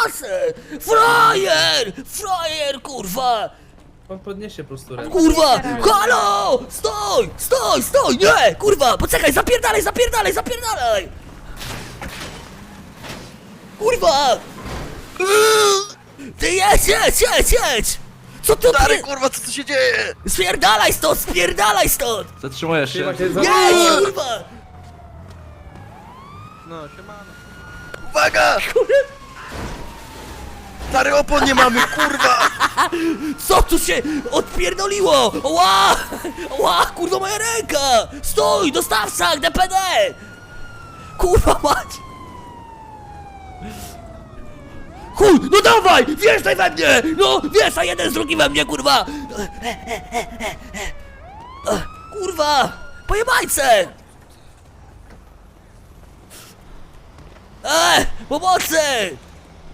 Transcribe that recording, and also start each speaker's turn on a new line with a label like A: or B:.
A: kasę! Frajer! Frajer, kurwa!
B: On podniesie po prostu rękę.
A: Kurwa! Halo! Stój! Stój! Stój! Nie! Kurwa! Poczekaj! Zapierdalaj! Zapierdalaj! Zapierdalaj! Kurwa! Ty jedź! Jedź! Jedź! Jedź! Co tu
C: Stary, kurwa, co tu się dzieje?
A: Spierdalaj stąd! Spierdalaj stąd!
D: Zatrzymujesz się.
B: Chyba się
A: Jedź! Kurwa!
D: No, siemano.
C: Uwaga! Stary, opon nie mamy, kurwa!
A: Co tu się odpierdoliło? Ła! Ła! Kurwa, moja ręka! Stój! Dostawca! DPD! Kurwa mać! Chuj! No dawaj! Wjeżdżaj we mnie! No! Wjeżdżaj jeden z drugim we mnie, kurwa! Kurwa! Pojebajce! Pomocy!